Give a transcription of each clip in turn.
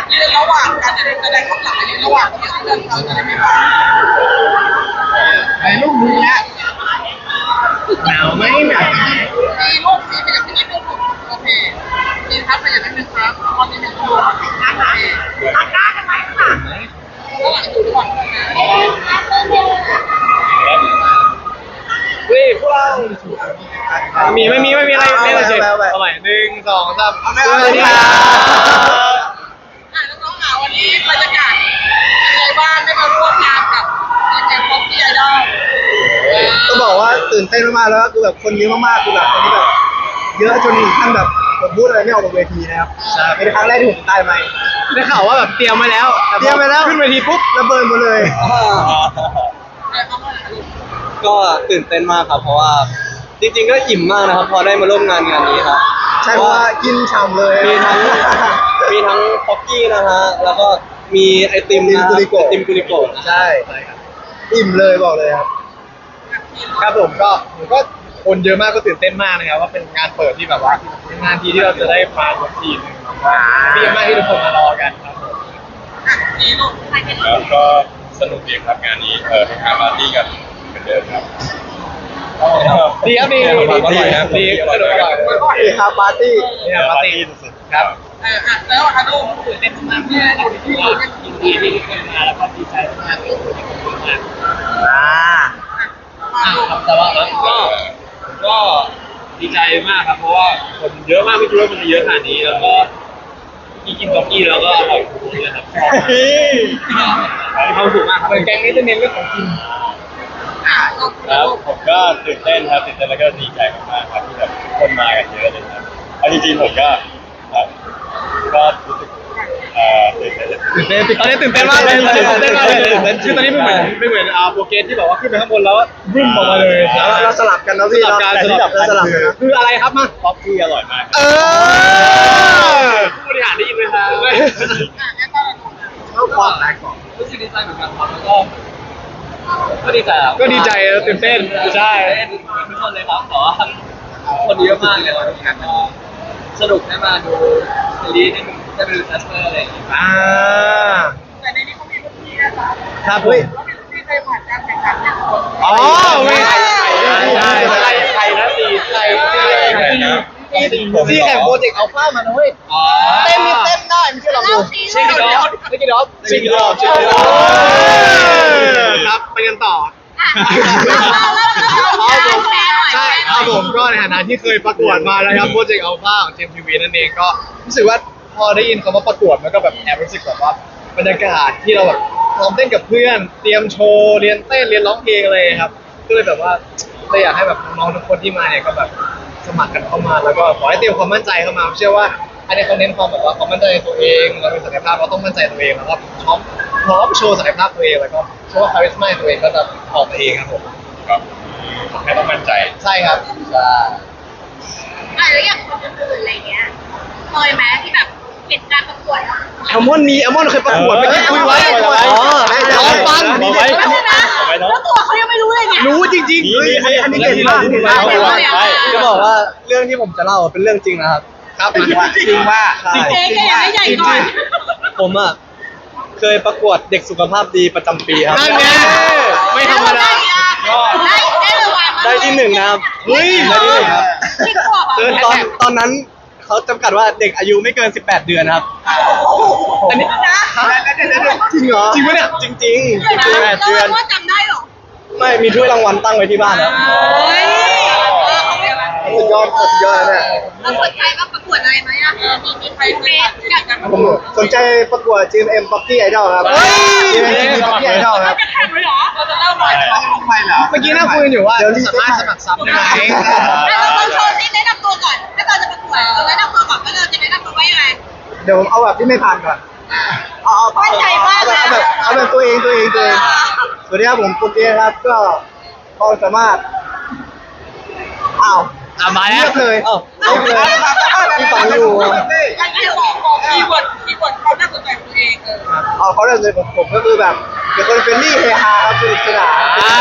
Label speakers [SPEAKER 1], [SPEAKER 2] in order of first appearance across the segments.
[SPEAKER 1] ยืนระหว่างการแสดงข้างหลังยืนระหว่างที่เดินเขาจะได้ไม่ร้อนในรูปนี้ฮะ
[SPEAKER 2] หนาวไหมหนาว
[SPEAKER 1] มีรูปสีเป็นอย่างนี้รูปโอเคมีครับเป็นอย่างนั้นนึงครับตอนนี้เป็นรูปนะคะตัดหน้ากันไหมค่ะระหว่างอยู่ระหว่าง
[SPEAKER 2] พวกเราไม่มีอะไรเล่นเฉยเอาใหม่1 2 3สวัสดีครับ
[SPEAKER 1] น้องๆหาวันนี้บรรยากาศเป็นไงบ้างได้มาร่วมงานกับแก๊งป๊อปปี้ไอดอล
[SPEAKER 3] ต้องบอกว่าตื่นเต้นมากๆแล้วคือแบบคนเยอะมากๆคือแบบคนที่แบบเยอะจนถึงขั้นแบบผมพูดอะไรไม่ออกบนเวทีนะครับเป็นครั้งแรกที่ผมได้ไหม
[SPEAKER 2] ได้ข่าวว่าแบบเตรียมไว้แล้วขึ้นเวทีปุ๊บ
[SPEAKER 3] ระเบิดหมดเลย
[SPEAKER 4] ก็ตื่นเต้นมากครับเพราะว่าจริงๆก็อิ่มมากนะครับพอได้มาร่วมงานนี้ครับ
[SPEAKER 3] ใช่เพราะว่ากินฉ่ำเลย
[SPEAKER 4] มีทั้งป๊อกกี้นะฮะแล้วก็มีไอติมกุลิโกะ
[SPEAKER 3] ใช่ครับอิ่มเลยบอกเลยครับ
[SPEAKER 2] ครับผมก็คนเยอะมากก็ตื่นเต้นมากนะครับว่าเป็นงานเปิดที่แบบว่าเป็นงานที่เราจะได้มาทุกทีนึงที่มากที่ทุกคนมารอกันครับผม
[SPEAKER 5] แล้วก็สนุกดีครับงานนี้ทำงานปาร์ตี้กันเหมือนเดิมครับ
[SPEAKER 2] ดีครับดีสนุกอร่อย
[SPEAKER 3] ดีครับปาร์ตี้
[SPEAKER 5] สุดๆครับ
[SPEAKER 1] แล้วอานุ
[SPEAKER 2] ตื่นเต้นมากที่ยินดีที่ทุกคนมาแล้วก็ดีใจมากที่ทุกคนมาครับแต่ว่าก็ดีใจมากครับเพราะว่าคนเยอะมากไม่คิดว่ามันจะเยอะขนาดนี้แล้วก็กินก๊อกกี้แล้วก็อร่อยทุกคนเลยครับมีความสุขมากครับแกงนี้จะเน้นเรื่องของกิน
[SPEAKER 5] ครับผมก็ตื่นเต้นครับตื่นเต้นแล้วก็ดีใจมากๆครับที่แบบคนมากันเยอะเลยครับเอาจริงๆผมก็รู้สึก
[SPEAKER 2] ตื่นเต้นตอนนี้ตื่นเต้นมากเลยคือตอนนี้ไม่เหมือนโปรเกรสที่แบบว่าขึ้นไปข้างบนแล้วบึ้มออกมาเลย
[SPEAKER 3] เราสลับกันนะพี่
[SPEAKER 2] สลับกันคืออะไรครับมา
[SPEAKER 5] ป๊อกกี้อร่อยมาก
[SPEAKER 2] ผู้บริหารได้ยินไหมครับ
[SPEAKER 3] เข้าความแรงก่อน
[SPEAKER 2] รู้สึกดีใจเหมือนกันครับแล้วก็ดีใจตื่นเต้นใช่ทุกคนเลยครับแต่ว่าคนเยอะมากเลยวันนี้ก็สนุกได้มาดูซีรีส์ได้ไปดูแคสเปอร์อะไรอย่างเงี้ย
[SPEAKER 1] แต่ในนี้เขามีรุ่นพี่นะคะ
[SPEAKER 2] ครับ
[SPEAKER 1] เขามีรุ่นพี่เคยผ่านการแข่งขันเนี่ย
[SPEAKER 2] อ๋อไม่ใครนะซีแข่งโปรเจกต์อัลฟามาเว้ย
[SPEAKER 3] เต้นได้ไม่ใช่หรอดู
[SPEAKER 2] ชิคกี้ดอฟครับไปกันต่อใช่ครับผมก็ในฐานะที่เคยประกวดมาแล้วครับโปรเจกต์อัลฟาของ GMTV นั่นเองก็รู้สึกว่าพอได้ยินคำว่าประกวดมันก็แบบแอบรู้สึกแบบว่าบรรยากาศที่เราแบบซ้อมเต้นกับเพื่อนเตรียมโชว์เรียนเต้นเรียนร้องเพลงอะไรครับก็เลยแบบว่าเราอยากให้แบบน้องทุกคนที่มาเนี่ยก็แบบสมัครกันเข้ามาแล้วก็ขอให้เตรียมความมั่นใจเข้ามาเชื่อว่าอันนี้เขาเน้นความแบบว่าความมั่นใจในตัวเองเราเป็นศักยภาพเราต้องมั่นใจตัวเองแล้วก็พร้อมโชว์ศักยภาพตัวเองแล้วก็เชื่อว่าคาริสม่าตัวเองก็จะออกมาเองครับผม
[SPEAKER 5] ครับแค่ต้องมั่นใจ
[SPEAKER 2] ใช่ครับใช่
[SPEAKER 1] แล้วอย่างคนอื่นอะไรเงี้ยเคยไหมที่แบบเห็นการประกวด
[SPEAKER 3] แอลมอนเคยประกวดเมื่อกี้คุยไว้
[SPEAKER 2] ลองฟัง
[SPEAKER 1] แล้วตัวเขายังไม่รู้เลยเนี่ย
[SPEAKER 3] รู้จริงๆอันนี้เก่งมาก
[SPEAKER 4] จะบอกว่าเรื่องที่ผมจะเล่าเป็นเรื่องจริงนะครับ
[SPEAKER 3] ครับจริงว่า
[SPEAKER 1] เจ๊แกยังไม่ใหญ่ก่อน
[SPEAKER 4] ผมเคยประกวดเด็กสุขภาพดีประจำปีครับ
[SPEAKER 2] นั่นไงไม่ธรรมดา
[SPEAKER 4] ได้ที่1นะครับได้ที่1ครับตอนนั้นเขาจำกัดว่าเด็กอายุไม่เกิน18 เดือนครับ
[SPEAKER 2] อันนี้
[SPEAKER 3] จริงเหรอ
[SPEAKER 2] จริงปะเนี่ย
[SPEAKER 4] จริง
[SPEAKER 1] 18 เดือนจำได้หรอ
[SPEAKER 4] ไม่มีถ้วยรางวัลตั้งไว้ที่บ้านครับ
[SPEAKER 3] สุดยอดเนี่ย
[SPEAKER 1] เราสนใจว่าประกวดอะไรไหมมีใครอยากจะ
[SPEAKER 3] ผมสนใจประกวด GMM Poppy Idol ครับ GMM Poppy Idol ครับ
[SPEAKER 1] จะแข่งเลยเหรอเราจะเล่าหน่อย
[SPEAKER 2] เมื่อกี้น่าคุยอยู่ว่าสามารถสมัครซับได้ไหม
[SPEAKER 1] เราลองโชว์นี่แนะนำตัวก่อนถ้าเราจะประกวดเราแนะนำตัวก่อนว่าเราจะแนะนำตัวว่ายังไง
[SPEAKER 3] เดี๋ยวผมเอาแบบที่ไม่ผ่านก่อน
[SPEAKER 1] มั่นใจมากเลย
[SPEAKER 3] เอาแบบตัวเองสวัสดีครับผมปุ๊กเก้ครับก็ความสามารถ
[SPEAKER 2] มาแล้ว
[SPEAKER 3] เลย
[SPEAKER 1] ที่
[SPEAKER 3] ฟังอยู่
[SPEAKER 1] บอกคีย์เวิร์ดเขาน่าสนใจตัวเอง
[SPEAKER 3] เขาเรื่องเลยผมก็คือแบบเป็นคนเฟรนลี่เฮฮาครับสนุกสนาน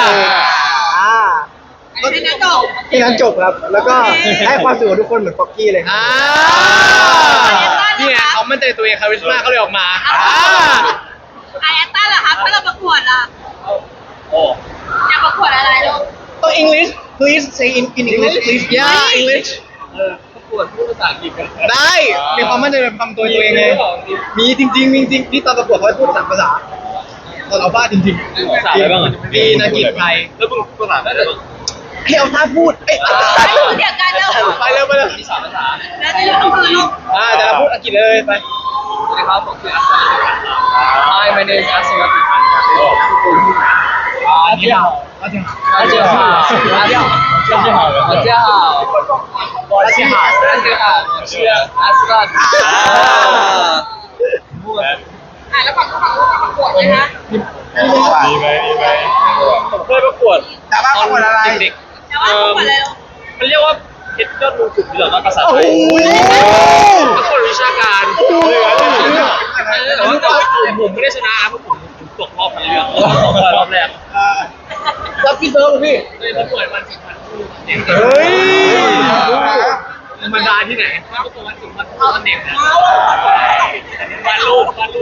[SPEAKER 3] ที่นั้นจบครับแล้วก็ให้ความสุขทุกคนเหมือนป๊อกกี้เลย
[SPEAKER 2] นี่เขามั่นใจตัวเองคาริสมาเขาเลยออกมา
[SPEAKER 6] ไอแอตตันเหรอคะถ้าเราประกวดล่ะ
[SPEAKER 5] โอ้
[SPEAKER 6] อยากประกวดอะไรลูก
[SPEAKER 3] ต้อง English please say in English please
[SPEAKER 2] yeah English
[SPEAKER 5] ประกวดพูดภาษาอังกฤษกัน
[SPEAKER 2] ได้มีความมั่นใจในความตัวเองไง
[SPEAKER 3] มีจริงๆมีจริงที่ตอนประกวดเขาให้พูด3ภาษาตอนเอาบ้าจริง
[SPEAKER 5] ภาษาอะไรบ้างอ่ะ
[SPEAKER 2] มีนักกีฬาไทย
[SPEAKER 5] แล้วมึงภาษาอะไรบ้าง
[SPEAKER 3] ๆให้เอาท่าพูดเอ้ย
[SPEAKER 6] เดี๋ยวกันเร็ว
[SPEAKER 2] ไปเร็วไปเร็ว
[SPEAKER 5] มีสามภาษา
[SPEAKER 6] แล้วจะอยู่ตรงพื้นลูก
[SPEAKER 2] แต่เราพูดอังกฤษเลยไป
[SPEAKER 5] สวัสดีครับผมชื่ออัสซัน Hi my name is Asim
[SPEAKER 2] 你好大家好
[SPEAKER 5] 大家好大家好大家好大家好我是大家好我是阿斯兰
[SPEAKER 1] แล้วฝั่งนู้นประกวดไหมคะ
[SPEAKER 5] ดีไหมผมเคยประกวด
[SPEAKER 3] แต่ว่าประกวดอะไร
[SPEAKER 5] เด็ก
[SPEAKER 6] แต่ว่าประกวดอะไรลูก
[SPEAKER 5] ๆมันเรียกว่าเพชรยอดมงกุฎที่เหลือภาษาไทยประกวดวิชาการแต่ว่าผมไม่ได้ชนะเพราะผมตกรอบทั้งเรื่องรอบแรก
[SPEAKER 3] รับพี่เซิร์ฟพี่
[SPEAKER 5] เลยประกวดวันสิบวันคู่เด็ก
[SPEAKER 2] เฮ้ย
[SPEAKER 5] ธรรมดาที่ไหนถ้าประกวดวันสิบวันคู่เด็กนะวันรูปนะ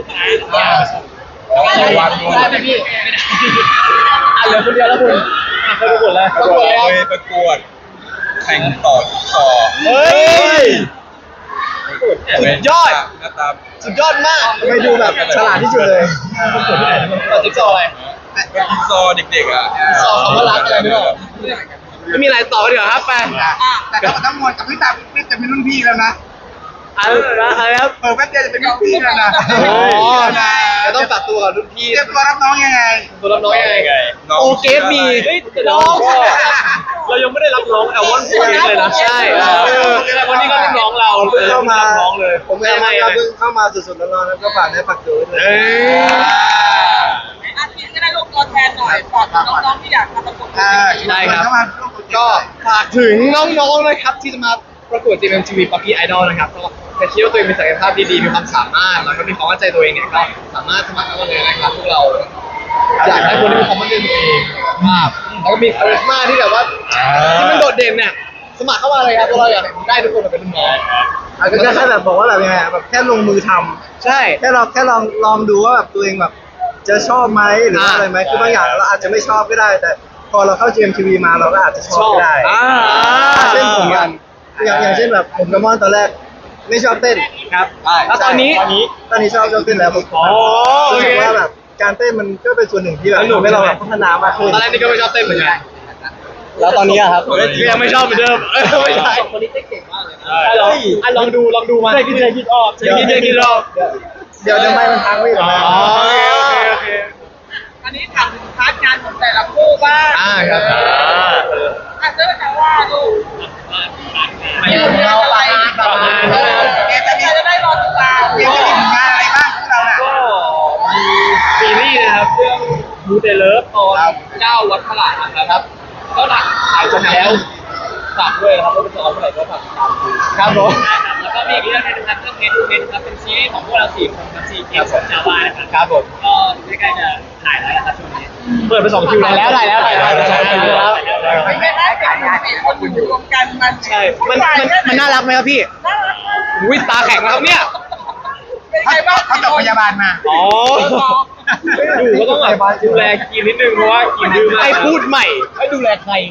[SPEAKER 5] ได้ไหมพี่เหลือคนเดียวแล้วคุณเคยประกวดแล้ว
[SPEAKER 7] เคยประกวดแข่งต่อจิ๊กซอว์
[SPEAKER 2] เฮ้ยสุดยอด
[SPEAKER 7] หน้าตา
[SPEAKER 2] สุดยอดมาก
[SPEAKER 3] ไม่ดูแบบฉลาดที่สุดเลย
[SPEAKER 2] ต่อจิ๊กซอว์อะไร
[SPEAKER 7] เป็นจิ๊กซอว์เด็กๆอ่ะ
[SPEAKER 2] ซอว์คำว่ารักอะไรไม่รู้ไม่มีอะไรต่อเดี๋ยวครับไป
[SPEAKER 3] แต่ถ้าทั้งหมดกับพี่ตาพี่จะเป็นรุ่นพี่แล้วนะ
[SPEAKER 2] อะไรครับ
[SPEAKER 3] เปิดแป๊บเดียวจะเป็นรุ่นพี่แล้วนะ
[SPEAKER 2] จะต้องตัดตัวกับรุ่นพี่
[SPEAKER 3] เตรียมตัวรับน้องยังไง
[SPEAKER 2] ตัวรับน้องยังไง
[SPEAKER 7] น้อง
[SPEAKER 2] โอเกสมี
[SPEAKER 5] น้องเรายังไม่ได้รับน้องแอลวอนโฟร์เลยนะใช่วันนี้ก็รุ่นน้องเรา
[SPEAKER 3] เข้ามา
[SPEAKER 5] น้องเลย
[SPEAKER 3] ผมเองนะครับเพิ่งเข้ามาสุดๆร้อนๆแล้วก็ฝากได้ฝากตัวด้วย
[SPEAKER 2] เอ้ย
[SPEAKER 1] อาทิตย์ก็ได้ลงตัวแทนหน่อยฝากน้องๆที่อยากมาประกวด
[SPEAKER 2] ได้ครับ
[SPEAKER 3] เข้ามาร่วมโปรเจกต์
[SPEAKER 2] ก็ฝากถึงน้องๆนะครับที่จะมาประกวด GMMTV Puppy Idol นะครับก็ถ้าคิดว่าตัวเองมีศักยภาพดีๆมีความสามารถแล้วก็มีความมั่นใจตัวเองเนี่ยก็สามารถสมัครเข้ามาเลยนะครับพวกเราอยากได้คนที่มีความมั่นใจตัวเองมากแล้วก็มีคาริสมาที่แบบว่าที่มันโดดเด่นเนี่ยสมัครเข้ามาเลยครับพวกเราอยากได้ทุกคนมาเป็นรุ่นน้อง
[SPEAKER 3] อาจจะแค่แบบบอกว่าแบบยังไงแบบแค่ลงมือทำ
[SPEAKER 2] ใช่
[SPEAKER 3] แค่ลองดูว่าแบบตัวเองแบบจะชอบไหมหรือว่าอะไรไหมคือบางอย่างเราอาจจะไม่ชอบก็ได้ แต่พอเราเข้า GMTV มาเราก็อาจจะชอบก็ได้ เช่นผมอย่างเช่นแบบผมกับมอนตอนแรกไม่ชอบเต้น
[SPEAKER 2] ครับแล้วตอนนี้
[SPEAKER 3] ตอนนี้ชอบเต้นแล้วผม
[SPEAKER 2] โอ
[SPEAKER 3] รู้
[SPEAKER 2] เค
[SPEAKER 3] สึกว่าแบบการเต้นมันก็เป็นส่วนหนึ่งที่แบบทำให้เราแบบพัฒนามากขึ้น
[SPEAKER 2] ตอนแรกนี่ก็ไม่ชอบเต้นเหมือนกัน
[SPEAKER 4] แล้วตอนนี้อะครับ
[SPEAKER 2] ก็ยังไม่ชอบเหมือนเดิมไม่ใช่
[SPEAKER 5] คนนี้เก่งมากเลยนะ
[SPEAKER 2] ลองดูมาคิดออกคิดออก
[SPEAKER 3] เดี๋ยวไม่มันพังไม่หรอ
[SPEAKER 2] โอเค
[SPEAKER 1] อันนี้ถามถึงพาร์ทงานของแต่ละคู่บ้าง
[SPEAKER 2] ครับ
[SPEAKER 1] อาจจะแต่ว่าลูก
[SPEAKER 2] ไม่เอาอะไร
[SPEAKER 1] จะได้รอติดตาม
[SPEAKER 3] เดี๋ยวจะมีงานอะไรบ้างพวกเราน่ะ
[SPEAKER 5] ก็มีซีรีส์นะครับเรื่องบูเดเลิฟตอน9วัดพระหลานนะครับก็หลักถ่ายจบแล้วฝากด้วยนะครับว่าเป็นตอนเมื่อไหร่ก็ฝากติดตามดู
[SPEAKER 2] ครับผม
[SPEAKER 5] แล้วก็มีอีกเรื่องนึงนะครับเรื่องเฮดทูเฮดครับเป็นซีรีส์ของพวกเรา4คนครับ4เกมของจาวานะครับ
[SPEAKER 2] ครับผม
[SPEAKER 5] ก็ใกล้ๆจะถ่ายแล้วนะครับช่วงนี้
[SPEAKER 2] เปิดไป2คิวแล้ว
[SPEAKER 1] ไม่ได้การงานเป็นคนอยู่รวมกันมัน
[SPEAKER 2] ใช่มันน่ารักไหมครับพี่วิตาแข็งแล้วครับเนี่ย
[SPEAKER 1] เป็นไงบ้าง
[SPEAKER 3] เขาจบพยาบาลมา
[SPEAKER 2] อ๋อ
[SPEAKER 5] อยู่ก็ต้องแบบดูแลกินนิดนึงเพราะว่ากินดื้อมาก
[SPEAKER 2] ให้พูดใหม่ให้ดูแลใคร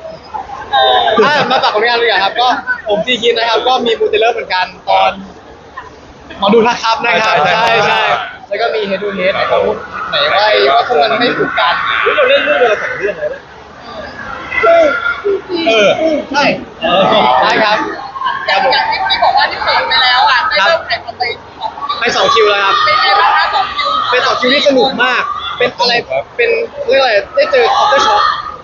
[SPEAKER 2] มาฝากผลงานเลยครับก็ผมจีคินนะครับก็มีมูเตเลอร์เหมือนกันตอนหมอดูทักครับนะครับใช่แล้วก็มีเฮดูเฮดนะครับไหนว่าพวกมันไม่ถูกกัน
[SPEAKER 5] เราเล่นเรื่องเดียว2เรื่องเลย
[SPEAKER 2] ใช่ได้ครับ
[SPEAKER 1] อย่างที่บอกว่าที่เปิดไปแล้วอ่ะได้เริ่มถ่ายทำไป
[SPEAKER 2] 2คิวแล้วครับ
[SPEAKER 1] เป็นไงบ้างคะ2คิว
[SPEAKER 2] เป็น2คิวที่สนุกมาก เป็นอะไรเป็นเรียกอะไรได้เจอคอปเตอร์ช็อค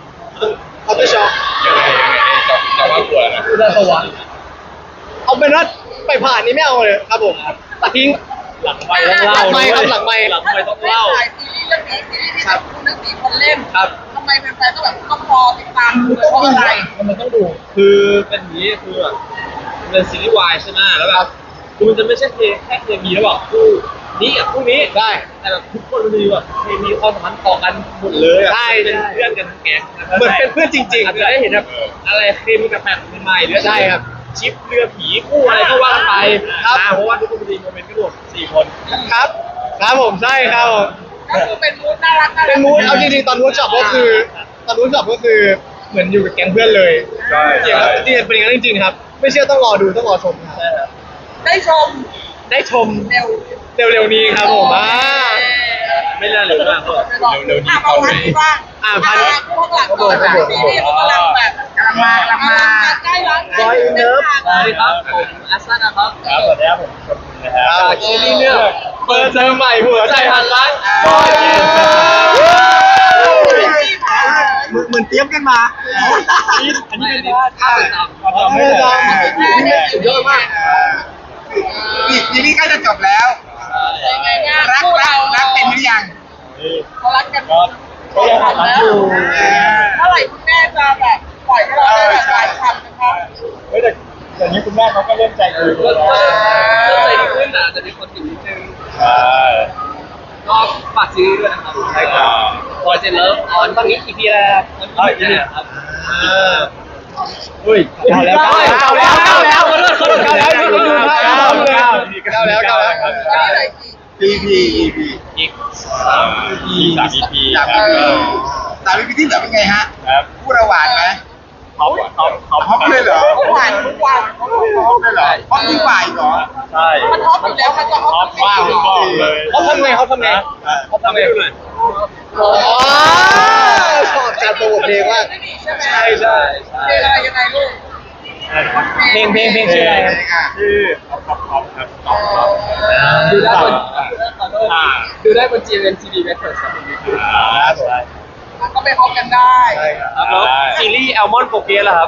[SPEAKER 7] ยังไงจะว่ากลัวนะ
[SPEAKER 2] อุดรสวรรค์เอาเป็นว่าไปผ่านนี้ไม่เอาเลยครับผมตัดทิ้ง
[SPEAKER 5] หลังไม่ต้องเล่า
[SPEAKER 2] หลังไมค์ครับหลังไมค์
[SPEAKER 5] หลังไม่ต้องเล่า
[SPEAKER 1] ถ่ายซีรีส์เรื่องนี้ซีรีส์ที่แบบคุณทั้ง4คนเล่น
[SPEAKER 2] ครับ
[SPEAKER 1] ทำไมแฟนๆต้องแบบต้องรอติดตามดูเลยเพราะอะไร
[SPEAKER 2] มันต้องดู
[SPEAKER 5] คือเป็นอย่างนี้คือแบบเป็นซีรีส์วายใช่ไหมแล้วแบบคือมันจะไม่ใช่แค่เคมีระหว่างคู่นี้กับคู่นี้
[SPEAKER 2] ได้
[SPEAKER 5] แต่แบบทุกคนมันมีแบบเคมีความสัมพันธ์ต่อกันหมดเลยอ่ะ
[SPEAKER 2] ใช่
[SPEAKER 5] เป็นเพื่อนกันทั้งแก๊งนะครับ
[SPEAKER 2] เหมือนเป็นเพื่อนจริงๆ
[SPEAKER 5] อาจจะได้เห็นแบบอะไรเคมีกับแบบใหม่ๆหรือ
[SPEAKER 2] ใช่ครับ
[SPEAKER 5] ชิปเรือผีคู่อะไรก็ว่ากันไป
[SPEAKER 2] ครับ
[SPEAKER 5] เพราะว่าทุกคนมีโมเมนต์ก็ 4 คน
[SPEAKER 2] ครับครับผมใช่ครับผม
[SPEAKER 1] ก็คือเป็นมูดน่ารัก
[SPEAKER 2] เป็นมูดเอาจริงๆตอนเวิร์กช็อปก็คือตอนเวิร์กช็อปก็คือเหมือนอยู่กับแก๊งเพื่อนเลย
[SPEAKER 7] ใช่
[SPEAKER 2] จริงๆครับจริงๆเป็นอย่างนั้นจริงๆครับ ไม่เชื่อต้องรอดูต้องรอชมครับ
[SPEAKER 1] ได้ชม
[SPEAKER 2] ได้ชม
[SPEAKER 1] เร็ว
[SPEAKER 2] เร็วๆนี้ครับผม
[SPEAKER 5] ไม่น่าเลยมากเลย
[SPEAKER 7] เร็วๆนี้
[SPEAKER 1] เข้าเลยบ้าง
[SPEAKER 2] พัน
[SPEAKER 1] พวกหลังก่อนซีรีส์เขากำลังแบบกำลังมาใกล้แล้ว
[SPEAKER 3] บอยอินเลิฟ
[SPEAKER 5] สวัสดีครับผมอัสซันนะครับ
[SPEAKER 7] ครับสวัสดีครับผมชมนะครับ
[SPEAKER 2] จากซีรีส์เรื่องเปิดเทอมใหม่หัวใจหันรัก
[SPEAKER 3] เหมือนเตรียมกันมา
[SPEAKER 5] อันนี้เป็นท่าประจำ
[SPEAKER 3] ไม่ได้สุดยอดมาก
[SPEAKER 1] ซีรีส์ใกล้จะจบแล้วรักเป็นหรือยังเขารักกัน
[SPEAKER 7] ก็ยังรักอยู่
[SPEAKER 1] เมื่อไหร่คุณแม่จะแบบปล่อยให้เราได้แบบการทำนะครับ
[SPEAKER 7] เฮ้ยแต่เดี๋ยวนี้คุณแม่เขาก็เริ่มใจดี
[SPEAKER 5] ก็
[SPEAKER 7] แล้ว
[SPEAKER 5] ใจดีขึ้นนะจะมีคนติดนิดนึง
[SPEAKER 7] ใช่
[SPEAKER 5] ก็ฝากซีรีส์ด้วยนะครับ
[SPEAKER 7] ใช่ครับ
[SPEAKER 5] บอยเจนเลิฟออนตอนนี้ EP แล้วครับครับ
[SPEAKER 2] อุ้ยเอาแล้วขอโทษขอโทษแล้ว
[SPEAKER 3] EP
[SPEAKER 7] อีก3 EP ครับ
[SPEAKER 1] สามพี่ที่เหลือเป็นไงฮะ
[SPEAKER 7] ครับ
[SPEAKER 1] พูดระหวานไหม
[SPEAKER 7] ท็อป
[SPEAKER 1] เลยเหรอหวานทุกวันท็อปเลยเหรอท็อปยิ่งกว่าอีกเหรอ
[SPEAKER 7] ใช่
[SPEAKER 1] มันท็อปอยู่แล้วมันจะท็อป
[SPEAKER 7] มากเลย
[SPEAKER 2] เขาทำไงเขาทำไง
[SPEAKER 7] เขาทำไง
[SPEAKER 2] ชอบการโปรโมทเพลงมาก
[SPEAKER 1] ใช่ไหม
[SPEAKER 2] ใช่ใช่
[SPEAKER 1] เพลงอะไรยังไงลูก
[SPEAKER 2] เพลงชื่ออะไร
[SPEAKER 7] ชื่อท็อปครับท็อป
[SPEAKER 5] ดูได้บนดูได้บน GMMTV Records ครับ
[SPEAKER 1] ก็ไปพบกันได้
[SPEAKER 5] แล้วซีรีส์แอลมอนโปเกสล่ะครับ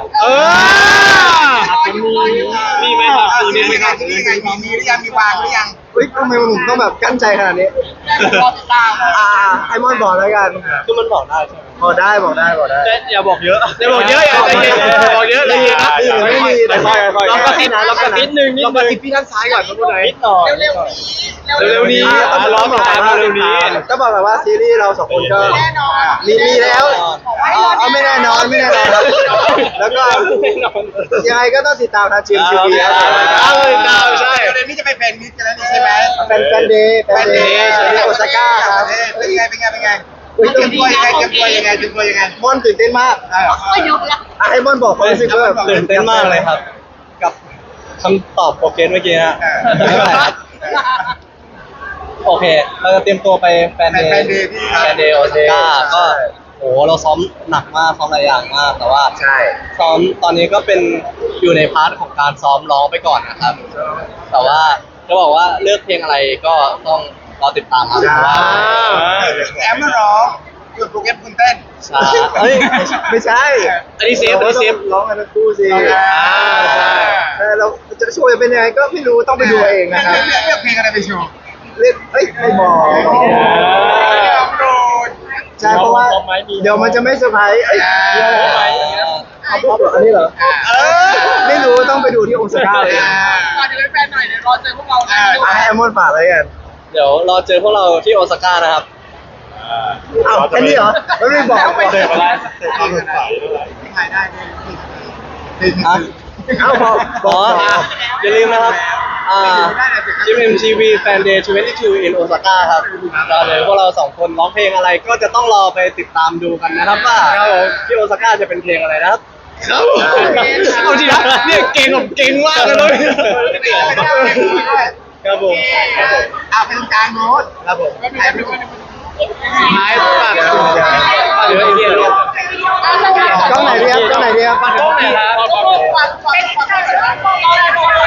[SPEAKER 1] มีไหมครับมีไหมครับมีหรือยังมีวางหรือยัง
[SPEAKER 3] เฮ้ยทำไมผมต้องแบบกั้นใจขนาดนี้
[SPEAKER 1] รอติดตาม
[SPEAKER 3] ไอมอนบอกแล้วกัน
[SPEAKER 4] คือมันบอกได้ใช่ไหม
[SPEAKER 3] บอกได้
[SPEAKER 5] แต่อย่าบอกเยอะ
[SPEAKER 2] อย่าบอกเยอะอย่าใจเย็นบอกเยอะใจเย็นนะ
[SPEAKER 3] ไม่มีแต่ค่อยๆ
[SPEAKER 2] ลองกระซิบนะลองกระซิบลองกระซิบพี่ด้านซ้ายก่อนพูดหน่อย
[SPEAKER 4] นิดหน่อย
[SPEAKER 1] เร็วๆนี้
[SPEAKER 2] เร็วๆนี้
[SPEAKER 3] ร้องบอกว่าเร็วนี้ก็บอกแบบว่าซีรีส์เราสองคนก็
[SPEAKER 1] แน่นอน
[SPEAKER 3] มีแล้วเอาไม่แน่นอนแล้วก็ยังไงก็ต้องติดตามทางจีมทีวีครับ
[SPEAKER 2] ใช่
[SPEAKER 1] เดี๋ยวนี้จะไปเป็นมิสกันแล้วนี่ใช่ไหม
[SPEAKER 3] แฟนเดย์โอซาก้าครับ
[SPEAKER 1] เป็นไง
[SPEAKER 3] อุ้ย
[SPEAKER 1] เตรียมตัวยังไง
[SPEAKER 3] มอนตื่นเต้นมาก
[SPEAKER 6] ก็ยกแล้ว
[SPEAKER 3] ไอมอนบอกความรู้สึกว่าแบบ
[SPEAKER 4] ตื่นเต้นมากเลยครับ กับคำตอบโปรเกสเมื่อกี้นะโอเค เราจะเตรียมตัวไปแฟนเดย์โอซาก้าก็โอ้เราซ้อมหนักมากซ้อมหลายอย่างมาก แต่ว่า
[SPEAKER 3] ใช่
[SPEAKER 4] ซ้อมตอนนี้ก็เป็นอยู่ในพาร์ทของการซ้อมร้องไปก่อนนะครับ แต่ว่าจะบอกว่าเลือกเพลงอะไรก็ต้องรอติดตามครับเพราะว่า
[SPEAKER 1] แอมมาร้องคุณโปรแกรมคุณเต้น
[SPEAKER 4] ใช่เฮ้ย
[SPEAKER 3] ไม่ใช่
[SPEAKER 2] อันนี้เซฟ
[SPEAKER 3] ร้องกันทั้งคู่สิ
[SPEAKER 2] ใช่
[SPEAKER 3] แต่เราจะโชว์จะเป็นยังไงก็ไม่รู้ต้องไปดูเองนะครับ
[SPEAKER 1] เลือกเพลงอะไรไปโชว์
[SPEAKER 3] เล่นไม่บอก
[SPEAKER 1] โดน
[SPEAKER 3] ใช่เพราะว่าเดี๋ยวมันจะไม่เซอร์ไพรส์เอาพออันนี้เหรอไม่รู้ต้องไปดูที่โอซาก้าเลย
[SPEAKER 1] ก่อนจะเป็นแฟนหน่อยเดี๋ยวรอเจอพวกเรานะ
[SPEAKER 3] ให้แอมมอนฝากอะไรกัน
[SPEAKER 4] เดี๋ยวรอเจอพวกเราที่โอซาก้านะครับ
[SPEAKER 3] อ้าวแค่นี้เหรอแล้วไม่บอก
[SPEAKER 7] เจอมาแล้วความสดใสด้วย
[SPEAKER 1] ถ่ายได้
[SPEAKER 4] ฮะ
[SPEAKER 3] เอ้าบอก
[SPEAKER 4] อ๋ออย่าลืมนะครับGMMTV Fan Day 22 in Osaka ครับเราเลยพวกเราสองคนร้องเพลงอะไรก็จะต้องรอไปติดตามดูกันนะครับว่าที่โอซาก้าจะเป็นเพลงอะไรนะครับ
[SPEAKER 2] ครับเอาจริงนะเนี่ยเก่งแบบเก่งมากเลย
[SPEAKER 3] ครับผม
[SPEAKER 1] เป็นกลางโน้ต
[SPEAKER 3] ครับผม
[SPEAKER 1] ถ่ายไปด้วย
[SPEAKER 2] ท้ายฝากเหลืออีกเดียว
[SPEAKER 3] กล้องไหนดีครับ
[SPEAKER 2] ฝากกล้องไหนครับ
[SPEAKER 1] ฟัง